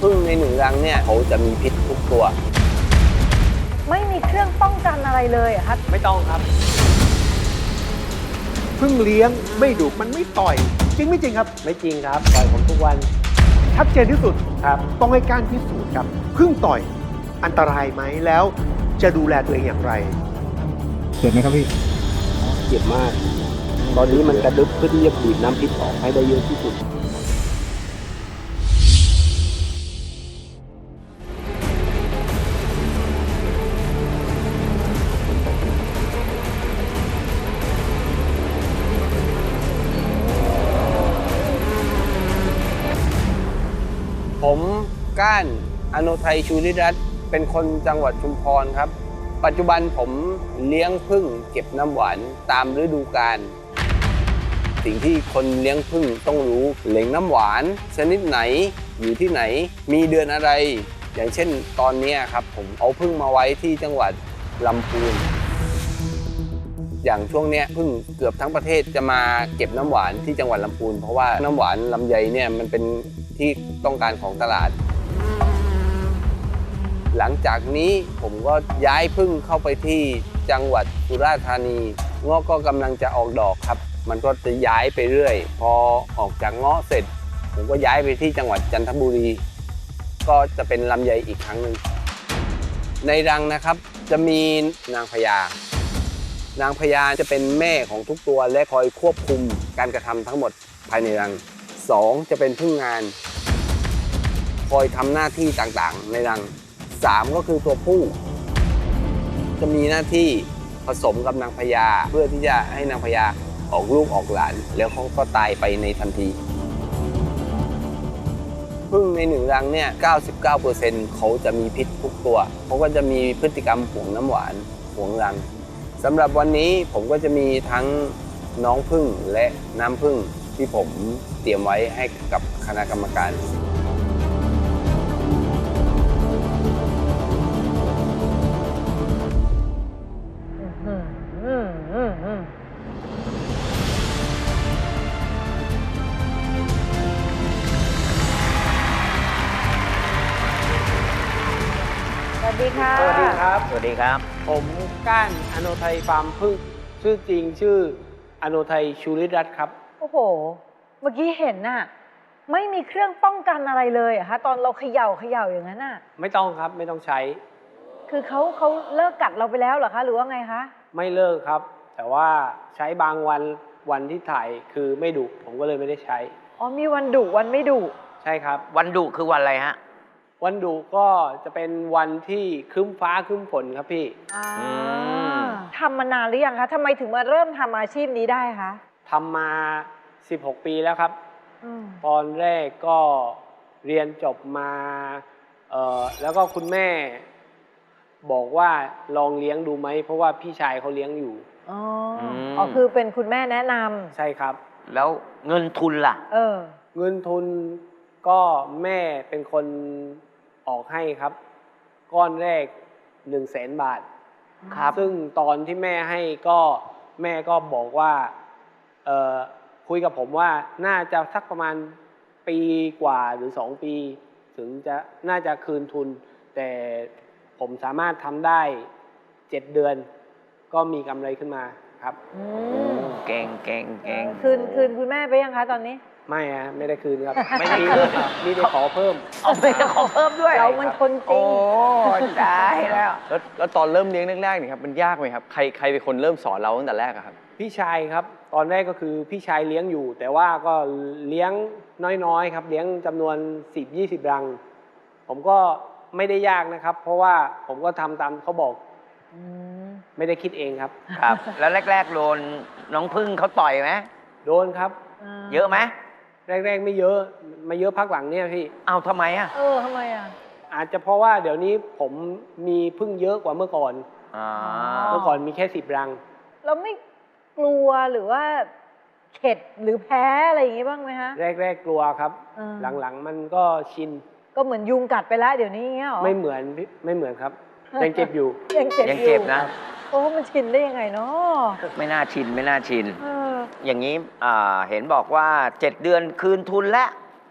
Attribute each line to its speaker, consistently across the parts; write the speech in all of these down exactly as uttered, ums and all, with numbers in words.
Speaker 1: พึ่งในหนึ่งรังเนี่ยเขาจะมีพิษทุกตัว
Speaker 2: ไม่มีเครื่องป้องกันอะไรเลยอะครับ
Speaker 1: ไม่ต้องครับ
Speaker 3: พึ่งเลี้ยงไม่ดุมันไม่ต่อยจริงไม่จริงครับ
Speaker 1: ไม่จริงครับต่อยผมทุกวัน
Speaker 3: ชัดเจนที่สุด
Speaker 1: ครับ
Speaker 3: ต้องให้การพิสูจน์ครับพึ่งต่อยอันตรายไหมแล้วจะดูแลตัวเองอย่างไร
Speaker 4: เจ็บไหมครับพี่
Speaker 1: เจ็บมากตอนนี้มันกระดึบเพื่อที่จะบีบน้ำพิษออกให้ได้เยอะที่สุดผมก้านอโนไทยชูริรัตน์เป็นคนจังหวัดชุมพรครับปัจจุบันผมเลี้ยงผึ้งเก็บน้ำหวานตามฤดูกาลสิ่งที่คนเลี้ยงผึ้งต้องรู้แหล่งน้ำหวานชนิดไหนอยู่ที่ไหนมีเดือนอะไรอย่างเช่นตอนนี้ครับผมเอาผึ้งมาไว้ที่จังหวัดลำพูนอย่างช่วงนี้ผึ้งเกือบทั้งประเทศจะมาเก็บน้ำหวานที่จังหวัดลำพูนเพราะว่าน้ำหวานลำไยเนี่ยมันเป็นที่ต้องการของตลาดหลังจากนี้ผมก็ย้ายผึ้งเข้าไปที่จังหวัดสุราษฎร์ธานีเงาะก็กำลังจะออกดอกครับมันก็จะย้ายไปเรื่อยพอออกจากเงาะเสร็จผมก็ย้ายไปที่จังหวัดจันทบุรีก็จะเป็นลำไยอีกครั้งหนึ่งในรังนะครับจะมีนางพญานางพญาจะเป็นแม่ของทุกตัวและคอยควบคุมการกระทำทั้งหมดภายในรังสองจะเป็นผึ้งงานคอยทำหน้าที่ต่างๆในรังสามก็คือตัวผู้จะมีหน้าที่ผสมกับนางพญาเพื่อที่จะให้นางพญาออกลูกออกหลานแล้วเขาก็ตายไปในทันทีผึ้งในหนึ่งรังเนี่ย เก้าสิบเก้าเปอร์เซ็นต์ เขาจะมีพิษทุกตัวเขาก็จะมีพฤติกรรมหวงน้ำหวานหวงรังสำหรับวันนี้ผมก็จะมีทั้งน้องผึ้งและน้ำผึ้งที่ผมเตรียมไว้ให้กับคณะกรรมการ
Speaker 2: สวัสดีค่ะ
Speaker 1: สวัสดีครับ
Speaker 5: สวัสดีครับ
Speaker 1: ผมก้านอโนไทยฟาร์มผึ้งชื่อจริงชื่ออโนไทยชูริรัตน์ครับ
Speaker 2: โอ้โหเมื่อกี้เห็นน่ะไม่มีเครื่องป้องกันอะไรเลยอะคะตอนเราเขย่าเขย่าอย่างนั้นน่ะ
Speaker 1: ไม่ต้องครับไม่ต้องใช้
Speaker 2: คือเขาเขาเลิกกัดเราไปแล้วเหรอคะหรือว่าไงคะ
Speaker 1: ไม่เลิกครับแต่ว่าใช้บางวันวันที่ถ่ายคือไม่ดุผมก็เลยไม่ได้ใช้
Speaker 2: อ๋อมีวันดุวันไม่ดุ
Speaker 1: ใช่ครับ
Speaker 5: วันดุคือวันอะไรฮะ
Speaker 1: วันดุก็จะเป็นวันที่ครึ้มฟ้าครึ้มฝนครับพี่
Speaker 2: ทำมานานหรือยังคะทำไมถึงมาเริ่มทำอาชีพนี้ได้คะ
Speaker 1: ทำมาสิบหกปีแล้วครับตอนแรกก็เรียนจบมาเอ่อแล้วก็คุณแม่บอกว่าลองเลี้ยงดูไหมเพราะว่าพี่ชายเขาเลี้ยงอยู่
Speaker 2: อ๋ออ๋อคือเป็นคุณแม่แนะนำ
Speaker 1: ใช่ครับ
Speaker 5: แล้วเงินทุนล่ะ
Speaker 2: เออ
Speaker 1: เงินทุนก็แม่เป็นคนออกให้ครับก้อนแรกหนึ่งแสนบาทครับซึ่งตอนที่แม่ให้ก็แม่ก็บอกว่าเอ่อคุยกับผมว่าน่าจะสักประมาณปีกว่าหรือสองปีถึงจะน่าจะคืนทุนแต่ผมสามารถทำได้เจ็ดเดือนก็มีกำไรขึ้นมาครับ
Speaker 5: เก่งเก่งเก่ง
Speaker 2: คืนคืนคุณแม่ไปยังคะตอนนี้
Speaker 1: ไม่ฮะไม่ได้คืนครับไม่ได้คืนมีได้ขอเพิ่ม
Speaker 5: เอาไปจะขอเพิ่มด้วย
Speaker 2: เรามันคนจริง
Speaker 5: โอ้ได้แล้ว
Speaker 4: แล้วแล้วตอนเริ่มเลี้ยงแรกๆนี่ครับมันยากไหมครับใครใครเป็นคนเริ่มสอนเราตั้งแต่แรกครับ
Speaker 1: พี่ชายครับตอนแรกก็คือพี่ชายเลี้ยงอยู่แต่ว่าก็เลี้ยงน้อยๆครับเลี้ยงจำนวนสิบยี่สิบรังผมก็ไม่ได้ยากนะครับเพราะว่าผมก็ทำตามเขาบอกไม่ได้คิดเองครับ
Speaker 5: ครับแล้วแรกๆโดนน้องพึ่งเขาต่อยไหม
Speaker 1: โดนครับ
Speaker 5: เยอะไหม
Speaker 1: แรกๆไม่เยอะไม่เยอะพักหลังเนี่ยพี่
Speaker 5: เอาทำไมอ่ะ
Speaker 2: เออทำไมอ่ะ
Speaker 1: อาจจะเพราะว่าเดี๋ยวนี้ผมมีพึ่งเยอะกว่าเมื่อก่อนเมื่อก่อนมีแค่สิบรัง
Speaker 2: เราไม่กลัวหรือว่าเข็ดหรือแพ้อะไรอย่างงี้บ้างไหมฮะ
Speaker 1: แรกๆกลัวครับหลังๆมันก็ชิน
Speaker 2: ก็เหมือนยุงกัดไปแล้วเดี๋ยวนี้เงี้ยหรอ
Speaker 1: ไม่เหมือนไม่เหมือนครับยังเจ็บอยู่
Speaker 2: ยังเจ็บ
Speaker 5: ยังเจ็บนะ
Speaker 2: โอ้มันชินได้ยังไงเนาะ
Speaker 5: ไม่น่าชินไม่น่าชินอย่างนี้เห็นบอกว่าเจ็ดเดือนคืนทุนแล้ว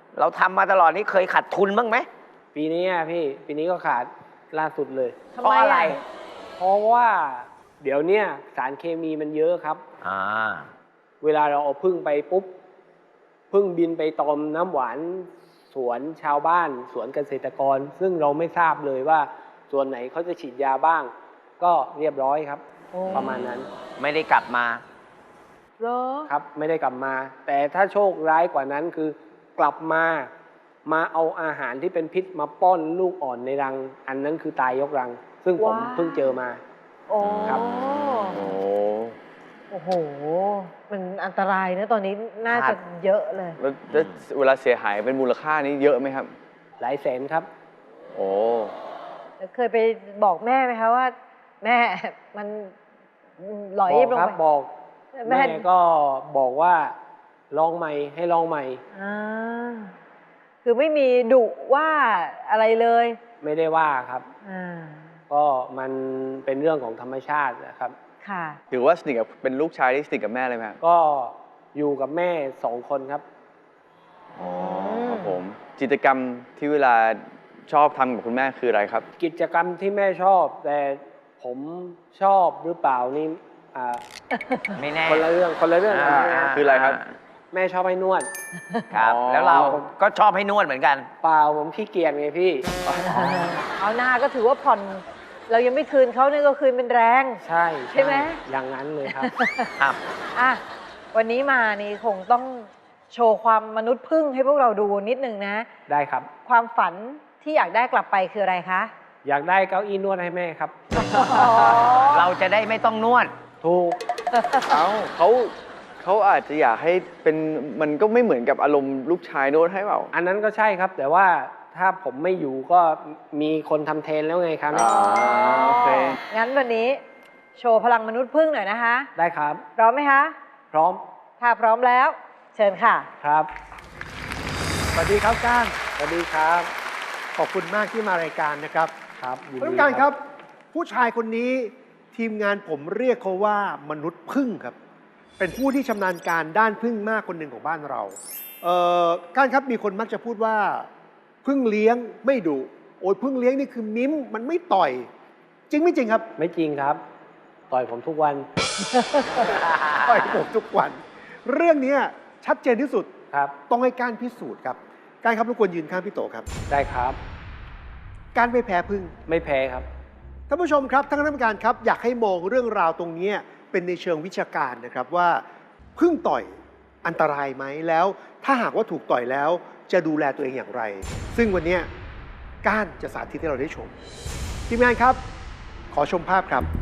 Speaker 5: เราทำมาตลอดนี้เคยขาดทุนบ้างไหม
Speaker 6: ปีนี้อะพี่ ปีนี้ก็ขาดล่าสุดเลย
Speaker 2: ทำ
Speaker 5: เพราะ
Speaker 2: ไม
Speaker 5: อะไร
Speaker 6: เพราะว่าเดี๋ยวเนี้ยสารเคมีมันเยอะครับ
Speaker 5: อ่า
Speaker 6: เวลาเราเอาพึ่งไปปุ๊บพึ่งบินไปตอมน้ำหวานสวนชาวบ้าน สวนเกษตรกร ซึ่งเราไม่ทราบเลยว่าส่วนไหนเขาจะฉีดยาบ้าง ก็เรียบร้อยครับ
Speaker 2: โอ้
Speaker 6: ประมาณนั้น
Speaker 5: ไม่ได้กลับมา
Speaker 2: เหรอ
Speaker 6: ครับไม่ได้กลับมา แต่ถ้าโชคร้ายกว่านั้นคือกลับมามาเอาอาหารที่เป็นพิษมาป้อนลูกอ่อนในรัง อันนั้นคือตายยกรัง ซึ่งผม
Speaker 2: ว้าว
Speaker 6: เพิ่งเจอมา
Speaker 2: โอ้
Speaker 6: ครับ
Speaker 4: โอ้
Speaker 2: โอ้โห มันอันตรายนะตอนนี้น่าจะเยอะเลย
Speaker 4: แล้วแล้วเวลาเสียหายเป็นมูลค่านี้เยอะไหมครับ
Speaker 6: หลายแสนครับ
Speaker 4: โอ้
Speaker 2: แล้วเคยไปบอกแม่ไหมคะว่า แม่มันหลอย
Speaker 6: บอก
Speaker 2: ลง
Speaker 6: ครับ
Speaker 2: ไป
Speaker 6: บอก
Speaker 2: แม่
Speaker 6: แม่ก็บอกว่าลองใหม่ให้ลองใหม่
Speaker 2: อ่าคือไม่มีดุว่าอะไรเลย
Speaker 6: ไม่ได้ว่าครับ
Speaker 2: อ่า
Speaker 6: ก็มันเป็นเรื่องของธรรมชาตินะครับ
Speaker 2: ค่ะ
Speaker 4: ถือว่าสนิทกับเป็นลูกชายที่สนิทกับแม่เลยไหมครับ
Speaker 6: ก็อยู่กับแม่สองคนครับ
Speaker 4: อ๋อครับผมกิจกรรมที่เวลาชอบทำกับคุณแม่คืออะไรครับ
Speaker 6: กิจกรรมที่แม่ชอบ แต่ผมชอบหรือเปล่านี่อ่า
Speaker 5: ไม่แน่
Speaker 6: คนละเรื่องคนละเรื่องกัน
Speaker 5: า
Speaker 6: นะ
Speaker 4: คืออะไรครับ
Speaker 6: แม่ชอบให้นวด
Speaker 5: ครับ
Speaker 4: อ๋อ
Speaker 5: แล้วเราก็ชอบให้นวดเหมือนกัน
Speaker 6: เปล่าผมขี้เกียจไงพี่
Speaker 2: เอาหน้าก็ถือว่าผ่อน เรายังไม่คืนเขาเนี่ยก็คืนเป็นแรง
Speaker 6: ใช่
Speaker 2: ใช่ไหม
Speaker 6: อย่างนั้นเลยครับ
Speaker 5: ครับ
Speaker 2: อ่ะวันนี้มานี่คงต้องโชว์ความมนุษย์พึ่งให้พวกเราดูนิดนึงนะ
Speaker 6: ได้ครับ
Speaker 2: ความฝันที่อยากได้กลับไปคืออะไรคะ
Speaker 6: อยากได้เก้าอี้นวดให้แม่ครับ
Speaker 5: เราจะได้ไม่ต้องนวด
Speaker 6: ถูก
Speaker 4: เอ้าเขาเขาอาจจะอยากให้เป็นมันก็ไม่เหมือนกับอารมณ์ลูกชายโน้ตให้เปล่า
Speaker 6: อันนั้นก็ใช่ครับ แต่ว่าถ้าผมไม่อยู่ก็มีคนทำแทนแล้วไงครับ
Speaker 4: อ๋อโอเค
Speaker 2: งั้นวันนี้โชว์พลังมนุษย์พึ่งหน่อยนะคะ
Speaker 6: ได้ครับ
Speaker 2: พร้อมไหมคะ
Speaker 6: พร้อม
Speaker 2: ถ้าพร้อมแล้ว เชิญค่ะ
Speaker 6: ครับ
Speaker 3: สวัสดีครับก้าน
Speaker 6: สวัสดีครับ
Speaker 3: ขอบคุณมากที่มารายการนะครับ
Speaker 6: ครับยิน
Speaker 3: ท่าน
Speaker 6: ดี
Speaker 3: ผู้การครับ ผู้ชายคนนี้ทีมงานผมเรียกเขาว่ามนุษย์พึ่งครับ เป็นผู้ที่ชำนาญการด้านพึ่งมากคนหนึ่งของบ้านเราเอ่อก้านครับมีคนมักจะพูดว่าพึ่งเลี้ยงไม่ดุโอ้ยพึ่งเลี้ยงนี่คือมิ้มมันไม่ต่อย จริงไม่จริงครับ
Speaker 6: ไม่จริงครับ ต่อยผมทุกวัน
Speaker 3: ต่อยผมทุกวัน เรื่องนี้ชัดเจนที่สุด
Speaker 6: ครับ
Speaker 3: ต้องให้ก้านพิสูจน์ครับก้านครับรบกวนยืนข้างพี่โตครับ
Speaker 6: ได้ครับ
Speaker 3: ก้านไม่แพ้พึ่ง
Speaker 6: ไม่แพ้ครับ
Speaker 3: ท่านผู้ชมครับท่านคณะกรรมการครับอยากให้มองเรื่องราวตรงนี้เป็นในเชิงวิชาการนะครับว่าพึ่งต่อยอันตรายไหมแล้ว ถ้าหากว่าถูกต่อยแล้วจะดูแลตัวเองอย่างไร ซึ่งวันนี้ก้านจะสาธิตให้เราได้ชมทีมงานครับ ขอชมภาพครับ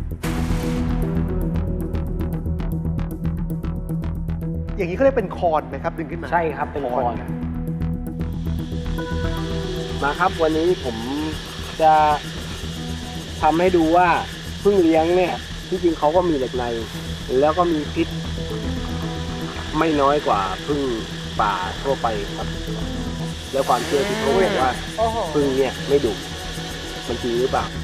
Speaker 3: อย่างนี้เขาเรียกเป็นคอนไหมครับดึงขึ้นมา
Speaker 6: ใช่ครับเป็นคอน
Speaker 3: ครับ
Speaker 6: มาครับวันนี้ผมจะทำให้ดูว่าพึ่งเลี้ยงเนี่ยที่จริงเขาก็มีเหล็กใน แล้วก็มีพิษไม่น้อยกว่าพึ่งป่าทั่วไปครับ แล้วความเชื่อที่เขาบอกว่า
Speaker 2: โอ้โห
Speaker 6: พึ่งเนี่ยไม่ดุมันจริงหรือเปล่า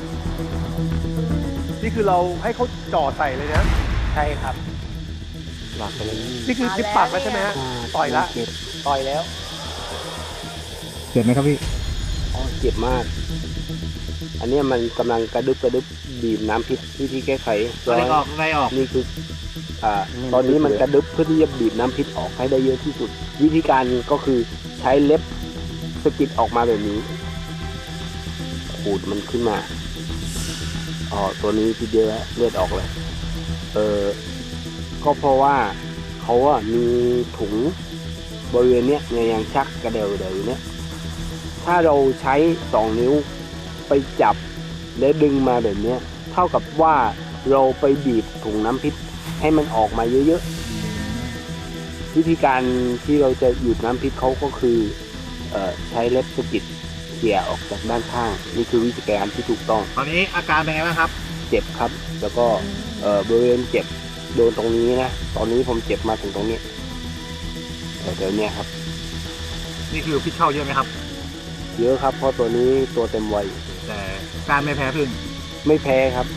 Speaker 3: นี่คือเราให้เขาจ่อใส่เลยนะ
Speaker 6: ใช่ครับหลักไปเลย
Speaker 3: นี่คือดิบปากแล้วใช่ไหมฮะต่อยละ
Speaker 6: เจ็บต่อยแล้ว
Speaker 7: เจ็บไหมครับพี่
Speaker 6: อ๋อเจ็บมาก อันเนี้ยมันกำลังกระดึบกระดึบบีบน้ำพิษวิธีแก้ไข
Speaker 7: อะไรออกอะไรออก
Speaker 6: นี่คืออ่าตอนนี้มันกระดึบเพื่อที่จะบีบน้ำพิษออกให้ได้เยอะที่สุด วิธีการก็คือใช้เล็บสะกิดออกมาแบบนี้ขูดมันขึ้นมาอ๋อตัวนี้ทีเดียวแล้วเลือดออกเลยเออก็เพราะว่าเขาอะมีถุงบริเวณเนี้ยเนี่ยยังชักกระเดวเดวอยู่เนี้ยถ้าเราใช้สองนิ้วไปจับและดึงมาแบบเนี้ยเท่ากับว่าเราไปบีบถุงน้ำพิษให้มันออกมาเยอะๆวิธีการที่เราจะหยุดน้ำพิษเขาก็คือเอ่อใช้เล็บสะกิดเขี่ยออกจากด้านข้างนี่คือวิธีการที่ถูกต้อง
Speaker 7: ตอนนี้อาการเป็นไงบ้างครับ
Speaker 6: เจ็บครับ แล้วก็เอ่อบริเวณเจ็บโดนตรงนี้นะตอนนี้ผมเจ็บมาถึงตรงนี้เอ่อเดี๋ยวเนี้ยครับ
Speaker 7: นี่คือพิษเข้าเยอะไหมครับ
Speaker 6: เยอะครับเพราะตัวนี้ตัวเต็มวัย
Speaker 7: แต่การไม่แพ้พึ่ง
Speaker 6: ไม่แพ้ครับ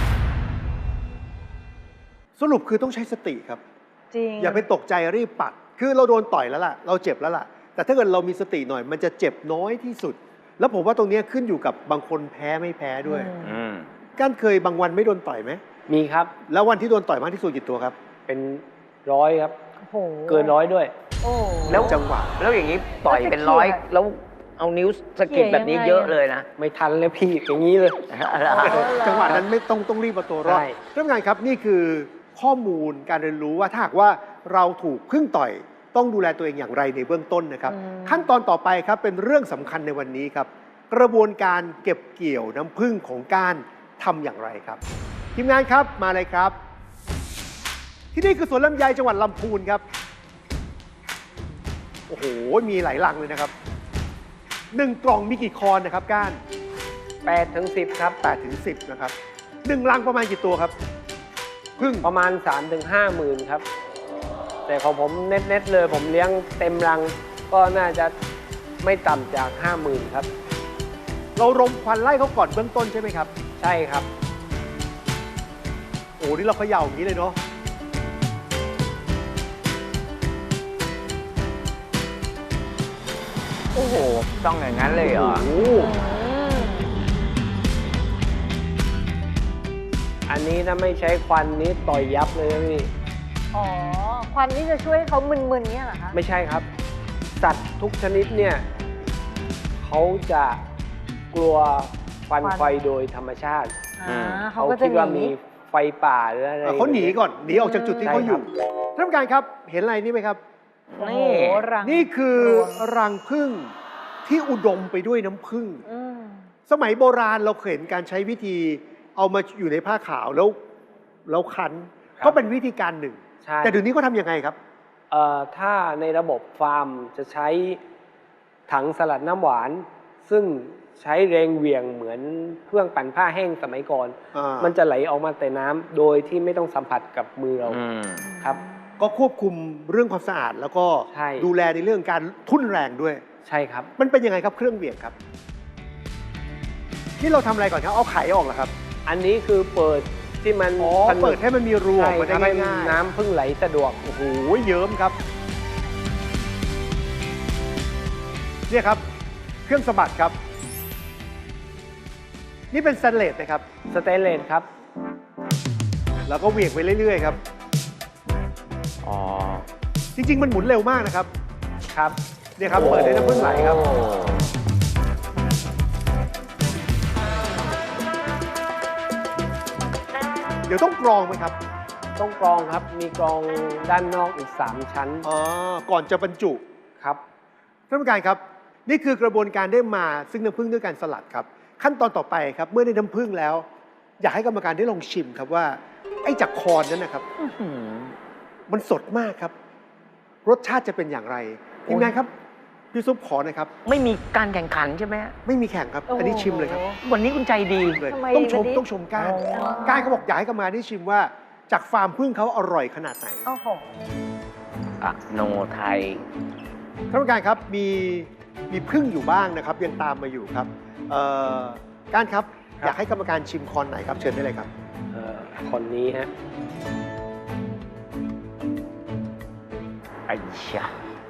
Speaker 3: สรุปคือต้องใช้สติครับ
Speaker 2: จริง
Speaker 3: อย่าไปตกใจรีบปัดคือเราโดนต่อยแล้วล่ะ เราเจ็บแล้วล่ะ แต่ถ้าเกิดเรามีสติหน่อย มันจะเจ็บน้อยที่สุด แล้วผมว่าตรงนี้ขึ้นอยู่กับบางคนแพ้ไม่แพ้ด้วย
Speaker 5: อืม
Speaker 3: ก้านเคยบางวันไม่โดนต่อยไหม
Speaker 6: มีครับ
Speaker 3: แล้ววันที่โดนต่อยมากที่สุดกี่ตัวครับ
Speaker 6: เป็นร้อยครับ
Speaker 2: โอ้โห
Speaker 6: เกินร้อยด้วย
Speaker 2: โอ้
Speaker 5: แล้ว
Speaker 3: จังหวะ
Speaker 5: แล้วอย่างนี้ต่อยเป็นร้อย แล้วเอานิ้วสะกิดแบบนี้เยอะเลยนะ
Speaker 6: ไม่ทันเลยพี่อย่างนี้เลย
Speaker 3: จังหวะนั้นไม่ต้องต้องรีบเอาตัวรอด
Speaker 6: ใช่
Speaker 3: ท่านผู้การครับนี่คือข้อมูลการเรียนรู้ว่าถ้าหากว่าเราถูกพึ่งต่อยต้องดูแลตัวเองอย่างไรในเบื้องต้นนะครับ ขั้นตอนต่อไปครับเป็นเรื่องสำคัญในวันนี้ครับ กระบวนการเก็บเกี่ยวน้ำผึ้งของก้านทำอย่างไรครับ ทีมงานครับมาเลยครับ ที่นี่คือสวนลำไยจังหวัดลำพูนครับโอ้โหมีหลายลังเลยนะครับหนึ่งกล่องมีกี่คอนนะครับก้าน
Speaker 6: แปดถึงสิบครับ
Speaker 3: แปดถึงสิบนะครับหนึ่งลังประมาณกี่ตัวครับพึ่ง
Speaker 6: ประมาณ สามถึงห้าหมื่นครับ แต่ของผมเน็ตๆเลย ผมเลี้ยงเต็มรัง ก็น่าจะไม่ต่ำจาก ห้าหมื่นครับ
Speaker 3: เรารมควันไล่เขาก่อนเบื้องต้นใช่ไหมครับ
Speaker 6: ใช่ครับ
Speaker 3: โอ้นี่เราเขย่าอย่างนี้เลยเนาะ
Speaker 5: โอ้โห ต้องอย่างนั้นเลยเหรอ
Speaker 3: โอ้
Speaker 6: อันนี้ถ้าไม่ใช้ควันนี้ต่อยยับเลยนะพี่
Speaker 2: อ๋อ ควันนี่จะช่วยให้เขามึนๆเนี่ยเหรอคะ
Speaker 6: ไม่ใช่ครับ สัตว์ทุกชนิดเนี่ยเขาจะกลัวควันไฟโดยธรรมชาติ
Speaker 2: อ่าเขา
Speaker 6: เขา
Speaker 2: ก็จะ
Speaker 6: คิดว่า
Speaker 2: หนี
Speaker 6: มีไฟป่าหรืออะไร
Speaker 3: อ่ะเขาหนีก่อนหนีออกจากจุดที่เขาอยู่
Speaker 6: ใช่
Speaker 3: ท่านผู้การครับเห็นอะไรนี่ไหมครับ
Speaker 2: โอ้โห
Speaker 5: นี่
Speaker 2: รัง
Speaker 3: นี่คือ
Speaker 2: รวง
Speaker 3: รังผึ้งที่อุดมไปด้วยน้ำผึ้ง
Speaker 2: อืม
Speaker 3: สมัยโบราณเราเคยเห็นการใช้วิธีเอามาอยู่ในผ้าขาวแล้วแล้วคั้น
Speaker 6: ครับ
Speaker 3: ก็เป็นวิธีการหนึ่ง
Speaker 6: ใช่
Speaker 3: แต่เดี๋ยวนี้เขาทำยังไงครับ
Speaker 6: เอ่อถ้าในระบบฟาร์มจะใช้ถังสลัดน้ำหวาน ซึ่งใช้แรงเหวี่ยงเหมือนเครื่องปั่นผ้าแห้งสมัยก่อน
Speaker 3: อ่ามั
Speaker 6: มันจะไหลออกมาแต่น้ำโดยที่ไม่ต้องสัมผัสกับมือเรา
Speaker 5: อืม
Speaker 6: ครับ
Speaker 3: ก็ควบคุมเรื่องความสะอาด แล้วก็
Speaker 6: ใช่
Speaker 3: ดูแลในเรื่องการทุ่นแรงด้วย
Speaker 6: ใช่ครับ
Speaker 3: มันเป็นยังไงครับเครื่องเหวี่ยงครับ นี่เราทำอะไรก่อนครับเอาไข่ออกเหรอครับ
Speaker 6: อันนี้คือเปิดที่มัน
Speaker 3: อ๋อ
Speaker 6: ผนึก
Speaker 3: เปิดให้มันมีรูออ
Speaker 6: ใช่
Speaker 3: กมาได้
Speaker 6: ทำให้
Speaker 3: ง่ายๆ
Speaker 6: น้ำพึ่งไหลสะดวก
Speaker 3: โอ้โหเยิ้มครับ เนี่ยครับ เครื่องสะบัดครับ นี่เป็นสแตนเลสนะครับ
Speaker 6: สเตนเลสครับ
Speaker 3: แล้วก็เหวี่ยงไปเรื่อยๆครับ
Speaker 5: อ๋อ
Speaker 3: จริงๆ มันหมุนเร็วมากนะครับ
Speaker 6: ครับ
Speaker 3: เนี่ยครับเปิดให้น้ำผึ้งไหลครับ
Speaker 5: โอ้
Speaker 3: เดี๋ยวต้องกรองไหมครับ
Speaker 6: ต้องกรองครับ มีกรองด้านนอกอีก สาม ชั้น
Speaker 3: อ๋อ ก่อนจะบรรจุ
Speaker 6: ครับ
Speaker 3: ท่านผู้การครับ นี่คือกระบวนการได้มาซึ่งน้ำผึ้งด้วยการสลัดครับ ขั้นตอนต่อไปครับ เมื่อได้น้ำผึ้งแล้ว อยากให้กรรมการได้ลองชิมครับว่า ไอ้จากคอนนั้นนะครับ
Speaker 5: อื้อหือ
Speaker 3: มันสดมากครับ รสชาติจะเป็นอย่างไรทีมงานครับ พี่ซุปขอหน่อยครับ
Speaker 5: ไม่มีการแข่งขันใช่ไหม
Speaker 3: ไม่มีแข่งครับ อันนี้ชิมเลยครับ
Speaker 5: วันนี้คุณใจดี
Speaker 3: เลย
Speaker 2: ทำไม
Speaker 3: ต้องชม
Speaker 2: วันนี้
Speaker 3: ต้องชมก้าน
Speaker 2: อ๋อ
Speaker 3: ก้านเขาบอกอยากให้กรรมการได้ชิมว่า จากฟาร์มผึ้งเขาอร่อยขนาดไหน
Speaker 2: โอ้โห
Speaker 5: อะโนไทย
Speaker 3: ท่านผู้การครับมีมีผึ้งอยู่บ้างนะครับ ยังตามมาอยู่ครับเอ่อก้านครับ
Speaker 6: ครับ
Speaker 3: อยากให้กรรมการชิมคอนไหนครับ เชิญได้เลยครับ
Speaker 6: เอ่อคนนี้ฮะ
Speaker 5: ไอ้ชะ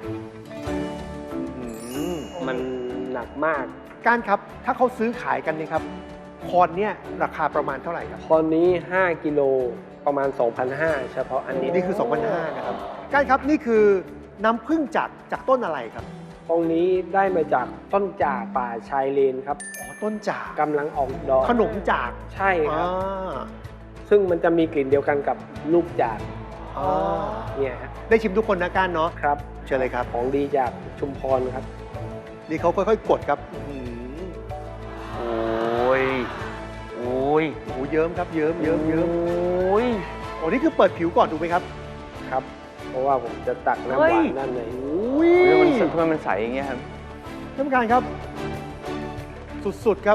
Speaker 6: มันหนักมาก
Speaker 3: ก้านครับ ถ้าเขาซื้อขายกันเนี่ยครับ คอนเนี่ยราคาประมาณเท่าไหร่ครับ
Speaker 6: คนนี้ ห้า กิโลประมาณ สองพันห้าร้อย เฉพาะอันนี้
Speaker 3: นี่คือ สองพันห้าร้อย นะครับก้านครับนี่คือน้ำผึ้งจากจากต้นอะไรครับ
Speaker 6: ตรงนี้ได้มาจากต้นจากป่าชายเลนครับ
Speaker 3: อ๋อต้นจาก
Speaker 6: กำลังออกดอก
Speaker 3: ขนมจาก
Speaker 6: ใช่ครับ
Speaker 3: อ่า
Speaker 6: ซึ่งมันจะมีกลิ่นเดียวกันกับลูกจาก
Speaker 3: อ่า
Speaker 6: เนี่ยฮะ
Speaker 3: ได้ชิมทุกคนนะก้านเนาะ
Speaker 6: ครับ
Speaker 3: เชิญเลยครับ
Speaker 6: ของดีจากชุมพรครับ
Speaker 3: นี่เขาค่อยๆกดครับอื้อหือ
Speaker 5: โอ้ย โอ้ย
Speaker 3: โอ้โหเยิ้มครับเยิ้มเยิ้มเยิ้ม
Speaker 5: โอ้ย
Speaker 3: โอ้นี่คือเปิดผิวก่อนถูกไหมครับ
Speaker 6: ครับ เพราะว่าผมจะตักน้ำ
Speaker 5: เฮ้
Speaker 6: หวาย นด้านใน
Speaker 3: อุ้ย
Speaker 4: เรื่องมันทำไมมันใสอย่างเงี้ยครับ
Speaker 3: ท่านผู้การครับ สุดๆครับ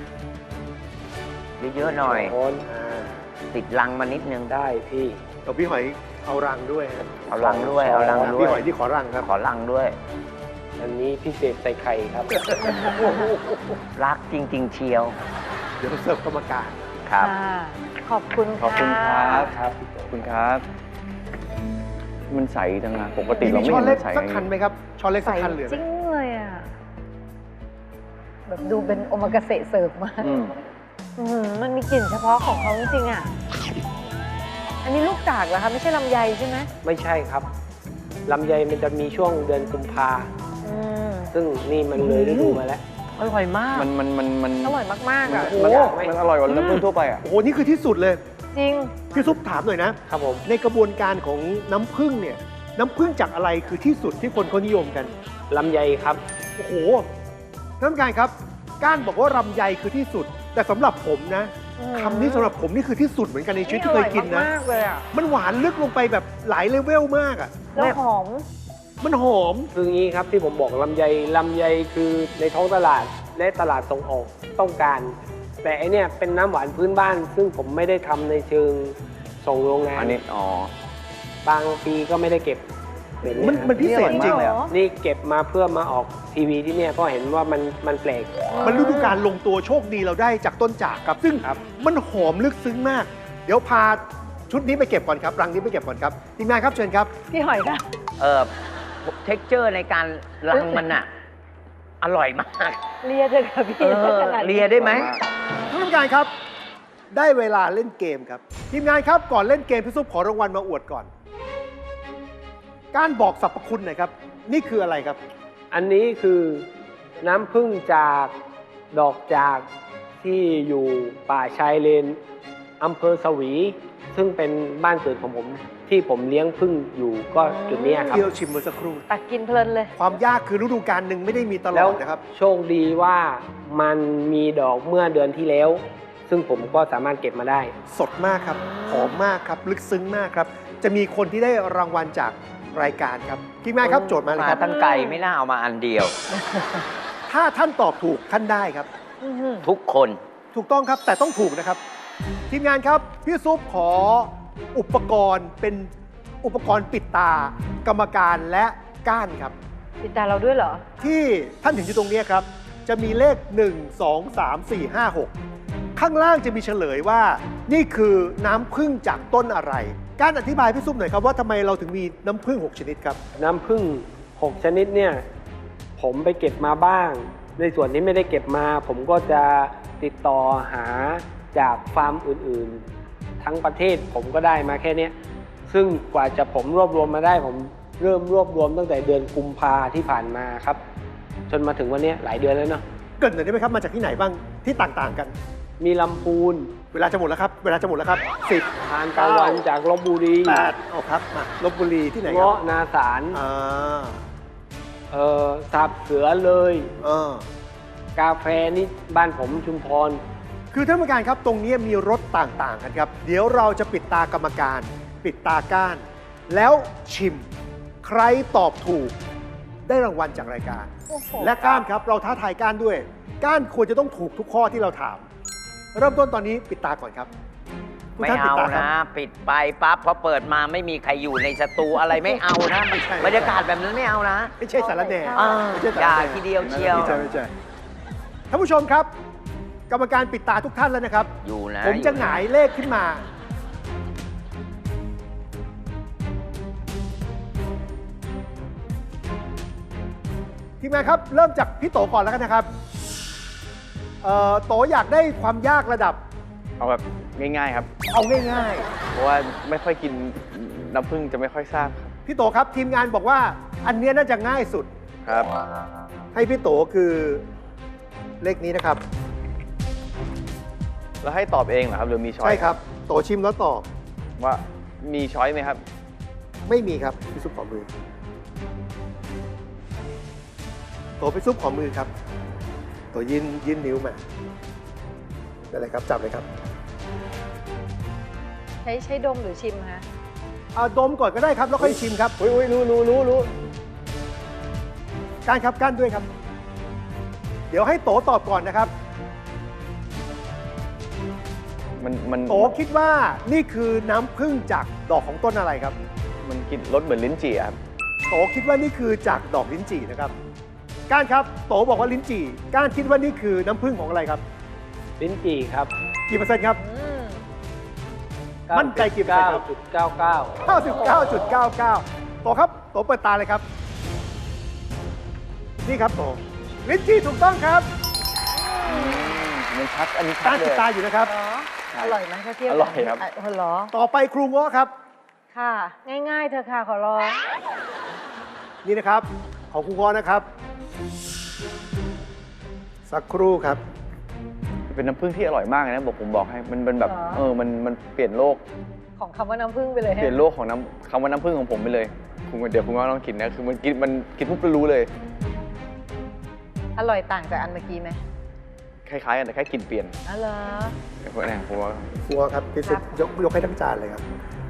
Speaker 5: เยอะๆหน่อย
Speaker 6: โอนอ่า
Speaker 5: ติดลังมานิดนึง
Speaker 6: ได้พี่
Speaker 3: เอาพี่หอยเอารังด้วยครับ
Speaker 5: เอาลังด้วย เอาลังด้ว
Speaker 3: พี่
Speaker 5: ย
Speaker 3: หอยที่ขอรังครับ
Speaker 5: ขอลังด้วย
Speaker 6: อันนี้พิเศษใส่ไข่ครับ
Speaker 5: รักจริง ๆ เชียว
Speaker 3: เดี๋ยวเสิร์ฟกรรมการ
Speaker 5: ครับ
Speaker 2: ค่ะขอบคุณ
Speaker 4: ขอบคุณ
Speaker 2: ะ
Speaker 4: ครับ
Speaker 6: ครับ
Speaker 4: ขอบคุณครับมันใสจังนะปกติ
Speaker 3: มี
Speaker 4: เราไม่
Speaker 3: ช้อ
Speaker 4: เห็
Speaker 3: น
Speaker 4: น
Speaker 3: เล็
Speaker 4: มั
Speaker 3: ก
Speaker 4: นใส
Speaker 3: สักคันไหมครับช้อนเล็ก
Speaker 2: ใส
Speaker 3: สักคันเหลือไห
Speaker 2: จ
Speaker 3: ม
Speaker 2: ริงเลยอ่ะ แบบดูเป็นโอมากาเสะเสิร์ฟมาก
Speaker 4: อืม
Speaker 2: อื้อหือมันมีกลิ่นเฉพาะของเขาจริงๆอ่ะ อันนี้ลูกจากเหรอคะ ไม่ใช่ลำไยใช่ไหม
Speaker 6: ไม่ใช่ครับลำไยมันจะมีช่วงเดือนกุมภา
Speaker 2: อืม
Speaker 6: ซึ่งนี่มันเลยฤดูมาแล้ว
Speaker 5: อร่อยมาก
Speaker 4: มันมันมันมัน
Speaker 2: อร่อยมากๆ
Speaker 4: มัน
Speaker 2: อ่ะ
Speaker 4: มันมันอร่อยกว่าน้ำผึ้งทั่วไปอ่ะ
Speaker 3: โอ้โห นี่คือที่สุดเลย
Speaker 2: จริง
Speaker 3: พี่ซุปถามหน่อยนะ
Speaker 6: ครับผม
Speaker 3: ในกระบวนการของน้ำผึ้งเนี่ย น้ำผึ้งจากอะไรคือที่สุดที่คนเขานิยมกัน
Speaker 6: ลำไยครับ
Speaker 3: โอ้โหท่านผู้การครับ ก้านบอกว่าลำไยคือที่สุด แต่สำหรับผมนะ
Speaker 2: อืม
Speaker 3: คำนี้สำหรับผมนี่คือที่สุดเหมือนกันในชีวิตที่เคยกินนะ
Speaker 2: อร่อยมากๆเลยอ่ะ
Speaker 3: มันหวานลึกลงไปแบบหลายเลเวลมากอ่ะ
Speaker 2: แล้วหอม
Speaker 3: มันหอม
Speaker 6: คืออย่างนี้ครับที่ผมบอกลำไยลำไยคือในท้องตลาดและตลาดส่งออกต้องการ แต่อันเนี้ยเป็นน้ำหวานพื้นบ้าน ซึ่งผมไม่ได้ทำในเชิงส่งโรงงาน
Speaker 4: อันนี้อ๋อบ
Speaker 6: างปีก็ไม่ได้เก็บแบบ
Speaker 3: มัน
Speaker 6: เยครับ
Speaker 3: มันพิเศษจริง
Speaker 2: เหรอ
Speaker 6: นี่เก็บมาเพื่อมาออกทีวีที่เนี่ยเพราะเห็นว่ามันมันแปลก
Speaker 3: มันฤดูการลงตัวโชคดีเราได้จากต้นจากครับ ซึ่ง
Speaker 6: ครับ
Speaker 3: มันหอมลึกซึ้งมาก เดี๋ยวพาชุดนี้ไปเก็บก่อนครับ รังนี้ไปเก็บก่อนครับทีมงานครับเชิญครับ
Speaker 2: พี่หอยค่ะ
Speaker 5: เออเท็กเจอร์ในการรังมันอะอร่อยมาก
Speaker 2: เลียเถอะค่ะพี่
Speaker 5: เออ
Speaker 2: ขนาดนี้
Speaker 5: เลียได้ไหม
Speaker 3: ท่านผู้การครับ ได้เวลาเล่นเกมครับ ทีมงานครับก่อนเล่นเกมพี่ซุปขอรางวัลมาอวดก่อน การบอกสรรพคุณหน่อยครับ นี่คืออะไรครับ
Speaker 6: อันนี้คือน้ำผึ้งจากดอกจากที่อยู่ป่าชายเลนอำเภอสวี ซึ่งเป็นบ้านเกิดของผมที่ผมเลี้ยงผึ้งอยู่ก็จุดเนี้ยครับ
Speaker 3: ที่เราชิมเมื่อสักครู่
Speaker 2: ตักกินเพลินเลย
Speaker 3: ความยากคือฤดูกาลหนึ่งไม่ได้มีตล
Speaker 6: แล้
Speaker 3: อ
Speaker 6: ว
Speaker 3: ดนะครับ
Speaker 6: โชคดีว่ามันมีดอกเมื่อเดือนที่แล้ว ซึ่งผมก็สามารถเก็บมาได้
Speaker 3: สดมากครับ หอมมากครับ ลึกซึ้งมากครับ จะมีคนที่ได้รางวัลจากรายการครับทีมงานครับโจทย์มาเลย
Speaker 5: มา
Speaker 3: ครับ
Speaker 5: ตั้งไก่ไม่น่าเอามาอันเดียว
Speaker 3: ถ้าท่านตอบถูกท่านได้ครับ
Speaker 2: อื้อหือ
Speaker 5: ทุกคน
Speaker 3: ถูกต้องครับแต่ต้องถูกนะครับ ทีมงานครับ พี่ซุปขออุปกรณ์เป็นอุปกรณ์ปิดตากรรมการและก้านครับ
Speaker 2: ติดตาเราด้วยเหรอ
Speaker 3: ที่ท่านเห็นอยู่ตรงนี้ครับ จะมีเลข หนึ่ง สอง สาม สี่ ห้า หก ข้างล่างจะมีเฉลยว่า นี่คือน้ำผึ้งจากต้นอะไร การอธิบายพี่ซุปหน่อยครับว่าทำไมเราถึงมีน้ำผึ้งหกชนิดครับ
Speaker 6: น้ำผึ้งหกชนิดเนี่ยผมไปเก็บมาบ้าง ในส่วนที่ไม่ได้เก็บมา ผมก็จะติดต่อหาจากฟาร์มอื่นๆ ทั้งประเทศผมก็ได้มาแค่เนี้ยซึ่งกว่าจะผมรวบรวมมาได้ ผมเริ่มรวบรวมตั้งแต่เดือนกุมภาที่ผ่านมาครับ จนมาถึงวันเนี้ยหลายเดือนแล้วเนาะ
Speaker 3: เกรินหน่อยได้ไหมครับมาจากที่ไหนบ้างที่ต่างๆกัน
Speaker 6: มีลำพูน
Speaker 3: เวลาจะหมดแล้วครับ เวลาจะหมดแล้วครับสิบ
Speaker 6: ทานตะวันจากลบบุรี
Speaker 3: แปดเอาครับมาลบบุรีที่ไหนครั
Speaker 6: เงาะนาสาร
Speaker 3: อ่า
Speaker 6: เอ่อสับเสือเลย
Speaker 3: เออ
Speaker 6: กาแฟนี่บ้านผมชุมพร
Speaker 3: คือท่านผู้การครับตรงนี้มีรสต่างๆกันครับ เดี๋ยวเราจะปิดตากรรมการ ปิดตาก้าน แล้วชิม ใครตอบถูกได้รางวัลจากรายการ
Speaker 2: โอ้โห
Speaker 3: และก้านครับเราท้าทายก้านด้วย ก้านควรจะต้องถูกทุกข้อที่เราถาม เริ่มต้นตอนนี้ปิดตาก่อนครับทุก
Speaker 5: ไม่
Speaker 3: ท่นปิด
Speaker 5: เอา
Speaker 3: ตาครับ
Speaker 5: นะ ปิดไปปั๊บพอเปิดมาไม่มีใครอยู่ในสตูอะไรไม่เอานะ
Speaker 3: ไม่ใช่
Speaker 5: บรรยากาศแบบนั้นไม่เอานะ
Speaker 3: ไม่ใช่สารแหน่
Speaker 5: อ่า
Speaker 3: ไม่ใช่สาร
Speaker 5: อย่า
Speaker 3: แหน่
Speaker 5: ทีเดียวเชียว
Speaker 3: ไม่ใช่ไม่ใช่ท่านผู้ชมครับ กรรมการปิดตาทุกท่านแล้วนะครับ
Speaker 5: อยู่นะ
Speaker 3: ผมจะ
Speaker 5: อ
Speaker 3: ห
Speaker 5: น
Speaker 3: งายเลขขึ้นมา ทีมงานครับ เริ่มจากพี่โตก่อนแล้วกันนะครับเอ่อโตอยากได้ความยากระดับ
Speaker 4: เอาแบบง่ายๆครับ
Speaker 3: เอาง่าย
Speaker 4: เพราะว่าไม่ค่อยกินน้ำผึ้งจะไม่ค่อยทราบครับ
Speaker 3: ๆ พี่โตครับ ทีมงานบอกว่า อันเนี้ยน่าจะง่ายสุด
Speaker 4: ครับ
Speaker 3: ให้พี่โตคือเลขนี้นะครับ
Speaker 4: แล้วให้ตอบเองเหรอครับหรือมีช้อย
Speaker 3: ใช่ครับ โตชิมแล้วตอบ
Speaker 4: ว่ามีช้อยไหมครับ
Speaker 3: ไม่มีครับพี่ซุปขอมือ โตพี่ซุปขอมือครับ โตยื่นยื่นนิ้วมาได้เลยครับจับเลยครับ
Speaker 2: ใช้ใช้ดมหรือชิมคะ
Speaker 3: เอาดมก่อนก็ได้ครับ แล้วค่อยชิมครับ
Speaker 6: อุ้ยอุ้ยรู้รู้รู้รู้
Speaker 3: ก้านครับก้านด้วยครับ เดี๋ยวให้โตตอบก่อนนะครับ
Speaker 4: มันมัน
Speaker 3: โตคิดว่านี่คือน้ำผึ้งจากดอกของต้นอะไรครับ
Speaker 4: มันกินรสเหมือนลิ้นจี่อะครับ
Speaker 3: โตคิดว่านี่คือจากดอกลิ้นจี่นะครับ ก้านครับ โตบอกว่าลิ้นจี่ ก้านคิดว่านี่คือน้ำผึ้งของอะไรครับ
Speaker 6: ลิ้นจี่ครับ
Speaker 3: กี่เปอร์เซ็นต์ครับ
Speaker 2: อืม
Speaker 3: มั่นใจกี่เปอร์เซ็นต์ครับ
Speaker 6: จุดเก้าเก้า
Speaker 3: เก้าสิบเก้าจุดเก้าเก้าโตครับโตเปิดตาเลยครับ นี่ครับโตลิ้นจี่ถูกต้องครับ
Speaker 4: มันชัด อันนี้ชั
Speaker 3: ตา
Speaker 4: ดเล
Speaker 3: ติด
Speaker 4: ย
Speaker 3: ตาอยู่นะครับ
Speaker 2: เหรอ
Speaker 4: ใช่
Speaker 2: อร่อยไหมถ้าเทียบ
Speaker 4: อร่อยครับ
Speaker 2: ะอ๋อเหรอ
Speaker 3: ต่อไปครูเงาะครับ
Speaker 2: ค่ะ ง่ายๆเธอะค่ะขอร้อง
Speaker 3: นี่นะครับ ของครูเงาะนะครับ สักครู่ครับ
Speaker 4: เป็นน้ำผึ้งที่อร่อยมากเลยนะบอกผมบอกให้ มันเป็นแบบ
Speaker 2: เหรอ
Speaker 4: เออ มัน มันเปลี่ยนโลก
Speaker 2: ของคำว่าน้ำผึ้งไปเลย
Speaker 4: เปลี่ยนโลกของน้ำคำว่าน้ำผึ้งของผมไปเลยคุณเดี๋ยวคุณก็ลองกินนะ คือมันกิน มันกินปุ๊บรู้เลย
Speaker 2: อร่อยต่างจากอันเมื่อกี้ไหม
Speaker 4: คล้ายๆกันแต่แค่กลินเปลี่ยน
Speaker 2: อ๋อเหรอ
Speaker 4: เนี่ยผมเนี่ยผมว่า
Speaker 3: ครูเงาะครับพี่สุดยกยกให้ทั้งจานเลยครับ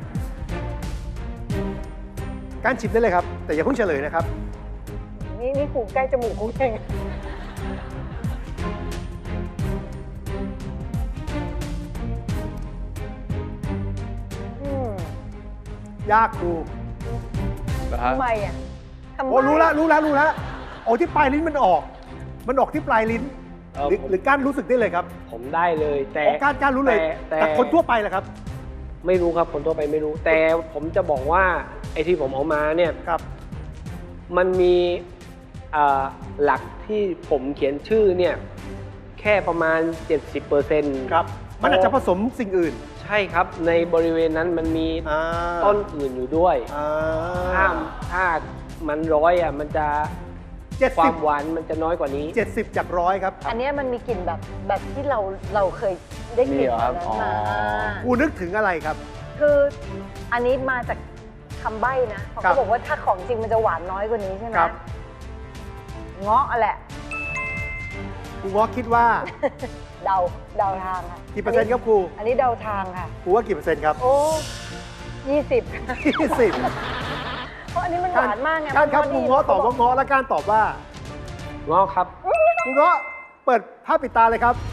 Speaker 3: การชิมได้เลยครับ แต่อย่าเพิ่งเฉลยนะครับ
Speaker 2: นี่นี่ขู่ใกล้จมูกกูเองอืม
Speaker 3: ยากครู
Speaker 4: นะฮะ
Speaker 2: ทำไมอ่ะทำไม
Speaker 3: โอ้รู้ละรู้ละรู้ละโอ้ที่ปลายลิ้นมันออก มันออกที่ปลายลิ้น
Speaker 6: เออ
Speaker 3: หรือ
Speaker 6: ผม
Speaker 3: หรือก้านรู้สึกได้เลยครับ
Speaker 6: ผมได้เลย แต่
Speaker 3: โอ้ก้านก้านรู้เลย
Speaker 6: แต่
Speaker 3: แต่คนทั่วไปแหละครับ
Speaker 6: ไม่รู้ครับคนทั่วไปไม่รู้ แต่ผมจะบอกว่าไอ้ที่ผมเอามาเนี่ย
Speaker 3: ครับ
Speaker 6: มันมีอ่าหลักที่ผมเขียนชื่อเนี่ยแค่ประมาณ เจ็ดสิบเปอร์เซ็นต์
Speaker 3: ครับ มันอาจจะผสมสิ่งอื่น
Speaker 6: ใช่ครับในบริเวณนั้นมันมี
Speaker 3: อ่า
Speaker 6: ต้นอื่นอยู่ด้วย
Speaker 3: อ่า
Speaker 6: ถ้าถ้ามันร้อยอ่ะมันจะ
Speaker 3: เจ็ด
Speaker 6: ควา
Speaker 3: สิบ
Speaker 6: มหวานมันจะน้อยกว่านี้
Speaker 3: เจ็ดสิบจากร้อยครับ
Speaker 2: อันเนี้ยมันมีกลิ่นแบบแบบที่เราเราเคยได้กลิ่น
Speaker 4: มีเหรอครับ
Speaker 2: แบบ
Speaker 4: อ๋อ
Speaker 2: นั้นมา
Speaker 3: กูนึกถึงอะไรครับ
Speaker 2: คืออันนี้มาจากคำใบ้นะเขา
Speaker 3: ครับ
Speaker 2: บอกว่าถ้าของจริงมันจะหวานน้อยกว่านี้ใช่ไหม
Speaker 3: ครับ
Speaker 2: เงาะอะแหละ
Speaker 3: ครูเงาะคิดว่า
Speaker 2: เดาเดาทางค่ะ
Speaker 3: กี่เปอร์เซ็นต์ครับครู
Speaker 2: อันนี้เดาทางค่ะ
Speaker 3: ครูว่ากี่เปอร์เซ็นต์ครับ
Speaker 2: โอ้ยี่สิบ
Speaker 3: ยี่สิบ
Speaker 2: เพราะอันนี้มันหวานมากไง
Speaker 3: การครับ
Speaker 2: มัน
Speaker 3: ครูเงาะตอบว่าเงาะและการตอบว่า
Speaker 6: งอครับ
Speaker 3: ครูเงาะเปิดภาพปิดตาเลยครับ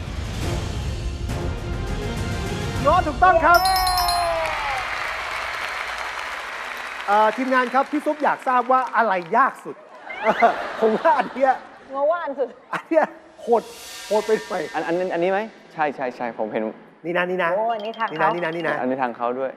Speaker 3: เงาะถูกต้องครับเอ่อทีมงานครับพี่ซุปอยากทราบว่าอะไรยากสุด เออผมว่าอันเนี้ย
Speaker 2: เงาะว่าอันสุด
Speaker 3: อันเนี้ยโหดโหดไปหน่อย
Speaker 4: อันอันอันนี้ไหม ใช่ใช่ใช่ผมเห็น
Speaker 3: นี่นะนี่นะ
Speaker 2: โอ้อันนี้ทาง
Speaker 3: นี่
Speaker 2: เขา
Speaker 3: นะนี่นะนี่นะ
Speaker 4: อันนี้ทางเขาด้วย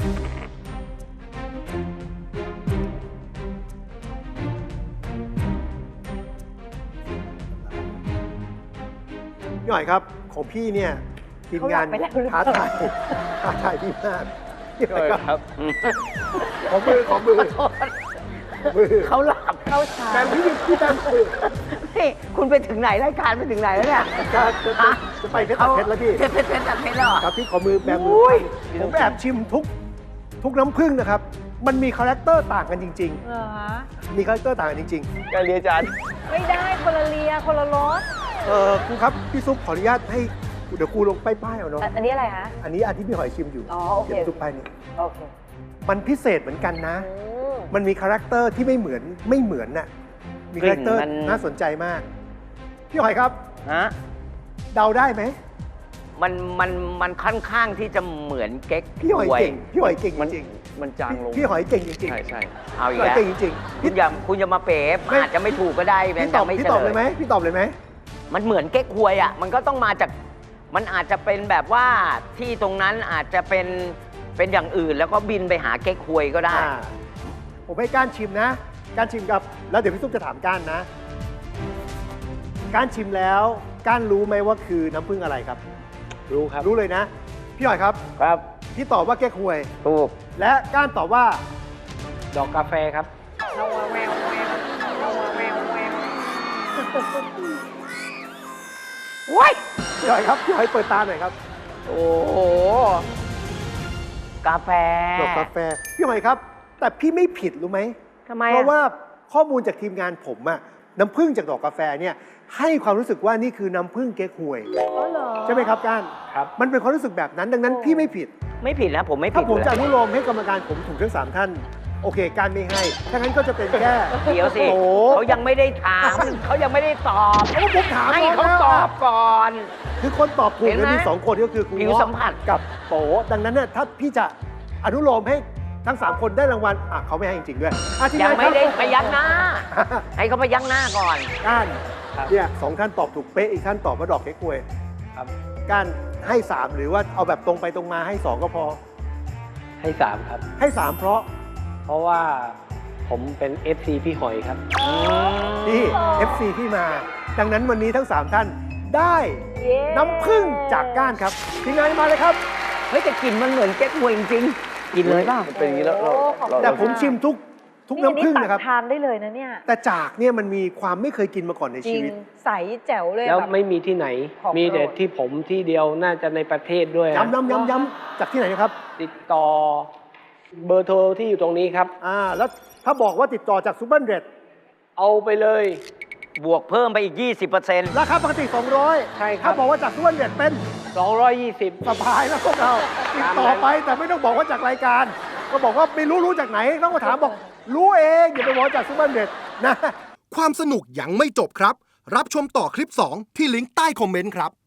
Speaker 3: พี่หน่อยครับของพี่เนี่ยทีมงาน
Speaker 2: เขาหลับไปแล้วหรือเป
Speaker 3: ท้า
Speaker 2: ล่า
Speaker 3: ทายท้าทายพี่มากพี่หน่อย
Speaker 4: ค
Speaker 3: ค
Speaker 4: รั
Speaker 3: รับบ ขอมือขอมือมือ
Speaker 5: เขาหลับ
Speaker 2: เข้าชา
Speaker 3: แบมพี่พี่แบมมือ
Speaker 5: นี่คุณไปถึงไหนรายการไปถึงไหนแล้วเนี่ย
Speaker 3: จะจะจะจะไปเพชรตัดเพชรแล้วพี่
Speaker 5: เพชรเพชรเพชรตัดเพชรแล้วเหรอ
Speaker 3: ครับพี่ขอมือแบมมื
Speaker 5: อุ้ย
Speaker 3: ผมแอบชิมทุกทุกน้ำผึ้งนะครับ มันมีคาแรคเตอร์ต่างกันจริง
Speaker 2: เหรอฮะ
Speaker 3: ๆ มีคาแรคเตอร์ต่างกันจริง
Speaker 4: การเรียนอาจารย์
Speaker 2: ไม่ได้คนละเลียคนละรส
Speaker 3: ๆ เออครูครับพี่ซุปขออนุญาตให้เดี๋ยวครูลงป้ายๆเอาเนาะ
Speaker 2: อ่ะอันนี้อะไรคะ
Speaker 3: อันนี้อันที่พี่หอยชิมอยู่
Speaker 2: อ๋อโอเค
Speaker 3: เดี๋ยวซุปป้ายนี้
Speaker 2: โอเค
Speaker 3: มันพิเศษเหมือนกันนะ
Speaker 2: อืม
Speaker 3: มันมีคาแรคเตอร์ที่ไม่เหมือนไม่เหมือนน่ะ มีคาแรคเตอร์
Speaker 5: กลิ่นมัน
Speaker 3: น่าสนใจมาก พี่หอยครับ
Speaker 5: ฮะ
Speaker 3: เดาได้ไหม
Speaker 5: มันมันมันค่อนข้างที่จะเหมือนเก๊ก
Speaker 3: พี่หอย
Speaker 5: ฮวย
Speaker 3: เก่ง พี่หอยเก่ง
Speaker 4: มัน
Speaker 3: จริง
Speaker 4: มันจางลง
Speaker 3: ๆพี่หอยเก่งจริง
Speaker 4: ใช่ใช่
Speaker 5: เอา
Speaker 3: ๆ
Speaker 5: อี
Speaker 3: พี่
Speaker 5: ก
Speaker 3: หอย
Speaker 5: แล้ว
Speaker 3: เก่งจริงๆ
Speaker 5: คุณอย่าคุณอย่ามาเป๋อาจจะไม่ถูกก็ได้
Speaker 3: พี่
Speaker 5: เป็น
Speaker 3: ตอบ
Speaker 5: จะไม่
Speaker 3: พี่
Speaker 5: เฉ
Speaker 3: ตอบ
Speaker 5: ล
Speaker 3: เลย
Speaker 5: ย
Speaker 3: ไหมพี่ตอบเลยไหม
Speaker 5: มันเหมือนเก๊กฮวยอ่ะ มันก็ต้องมาจาก มันอาจจะเป็นแบบว่าที่ตรงนั้นอาจจะเป็นเป็นอย่างอื่นแล้วก็บินไปหาเก๊กฮวยก็ได้
Speaker 3: อ่าผมให้ก้านชิมนะ ก้านชิมกับ แล้วเดี๋ยวพี่ซุปจะถามก้านนะ ก้านชิมแล้วก้านรู้ไหมว่าคือน้ำผึ้งอะไรครับ
Speaker 6: รู้ครับ
Speaker 3: รู้เลยนะ พี่หอยครับ
Speaker 6: ครับ
Speaker 3: พี่ตอบว่าแก้ควย
Speaker 6: ถูก
Speaker 3: และก้านตอบว่า
Speaker 6: ดอกกาแฟครับ
Speaker 5: ว้ย
Speaker 3: พี่หอยครับ พี่หอยเปิดตาหน่อยครับ
Speaker 5: โอ้โห กาแฟ
Speaker 3: ดอกกาแฟ พี่หอยครับ แต่พี่ไม่ผิดรู้ไหม
Speaker 5: ทำไม
Speaker 3: เพ
Speaker 5: อะ
Speaker 3: ราะว่าข้อมูลจากทีมงานผมอะน้ำผึ้งจากดอกกาแฟเนี่ยให้ความรู้สึกว่านี่คือน้ำผึ้งเก๊กฮวย
Speaker 2: อ๋อเหรอ
Speaker 3: ใช่ไหมครับก้าน
Speaker 6: ครับ
Speaker 3: มันเป็นความรู้สึกแบบนั้น ดังนั้นพี่ไม่ผิด
Speaker 5: ไม่ผิดนะผมไม่
Speaker 3: ถ้า
Speaker 5: ผิด
Speaker 3: ผม
Speaker 5: เลย
Speaker 3: จะอนุโลมให้กรรมการผมถูกทั้งสามท่าน โอเค การไม่ให้ ถ้างั้นก็จะเป็นแค่
Speaker 5: เดี๋ยวสิ
Speaker 3: โอ้
Speaker 5: เขายังไม่ได้ถาม เขายังไม่ได้ตอบ
Speaker 3: โอ้ผมถาม
Speaker 5: ให้
Speaker 3: น้อง
Speaker 5: เขา
Speaker 3: แล้ว
Speaker 5: ตอบก่อน
Speaker 3: คือคนตอบถูก
Speaker 5: เห็นไหม
Speaker 3: เนี่ยมีสองคนก็คือครู
Speaker 5: ผิวสัมผัส
Speaker 3: กับโตดังนั้นเนี่ยถ้าพี่จะอนุโลมให้ทั้งสามคนได้รางวัลอ่ะเขาไม่ให้จริงๆด้วยอ่ะที
Speaker 5: ยัง
Speaker 3: งาน
Speaker 5: ไม่ได้
Speaker 3: ครับ
Speaker 5: พยักหน้า ให้เขาพยักหน้าก่อน
Speaker 3: ก้าน
Speaker 6: ครับ
Speaker 3: เนี่ยสองท่านตอบถูกเป๊ะอีกท่านตอบว่าดอกเก๊กฮวย
Speaker 6: ครับ
Speaker 3: ก้านให้สามหรือว่าเอาแบบตรงไปตรงมาให้สองก็พอ
Speaker 6: ให้สามครับ
Speaker 3: ให้สามเพราะ
Speaker 6: เพราะว่าผมเป็น เอฟ ซี พี่หอยครับ
Speaker 3: นี่ เอฟ ซี ที่มา ดังนั้นวันนี้ทั้งสามท่านได้
Speaker 2: เย้
Speaker 3: น้ำผึ้งจากก้านครับทีมงานมาเลยครับ
Speaker 5: เฮ้ยแต่กลิ่นมันเหมือนเก๊กฮวยจริงๆกินเลยเปล่า
Speaker 4: มันเป็นอย่างนี้แล้วเรา
Speaker 2: โอ้ขอบคุณ
Speaker 4: เรา
Speaker 3: แต่ผมชิมทุกทุกน้ำผึ้ง
Speaker 2: ตัก
Speaker 3: นะครับ
Speaker 2: ทานได้เลยนะเนี่ย
Speaker 3: แต่จากเนี่ยมันมีความไม่เคยกินมาก่อนใน
Speaker 2: จริ
Speaker 3: ชี
Speaker 2: ง
Speaker 3: วิต
Speaker 2: ใสแจ๋วเลย
Speaker 6: แล้ว
Speaker 2: แบบ
Speaker 6: ไม่มีที่ไหน
Speaker 2: ของ
Speaker 6: มีแต่
Speaker 2: โปรด
Speaker 6: ที่ผมที่เดียวน่าจะในประเทศด้วยนะ
Speaker 3: ย้ำย้ำย้ำย้ำจากที่ไหนนะครับ
Speaker 6: ติดต่อเบอร์โทรที่อยู่ตรงนี้ครับ
Speaker 3: อ่า แล้วถ้าบอกว่าติดต่อจากซูเปอร์เดรด
Speaker 6: เอาไปเลย
Speaker 5: บวกเพิ่มไปอีก ยี่สิบเปอร์เซ็นต์
Speaker 3: ราคาปกติ สองร้อย
Speaker 6: ใช่ครับ
Speaker 3: ถ้าบอกว่าจากซูเปอร์เดรดเป็น
Speaker 6: สองร้อยยี่สิบ
Speaker 3: สบายแล้วพวกเราติดต่อไปแต่ไม่ต้องบอกว่าจากรายการ ก็บอกว่าไม่รู้รู้จากไหนต้องมาถามบอก รู้เองอย่าไปบอกจากซูเปอร์เดรดนะ
Speaker 8: ความสนุกยังไม่จบครับ รับชมต่อคลิป สอง ที่ลิงก์ใต้คอมเมนต์ครับ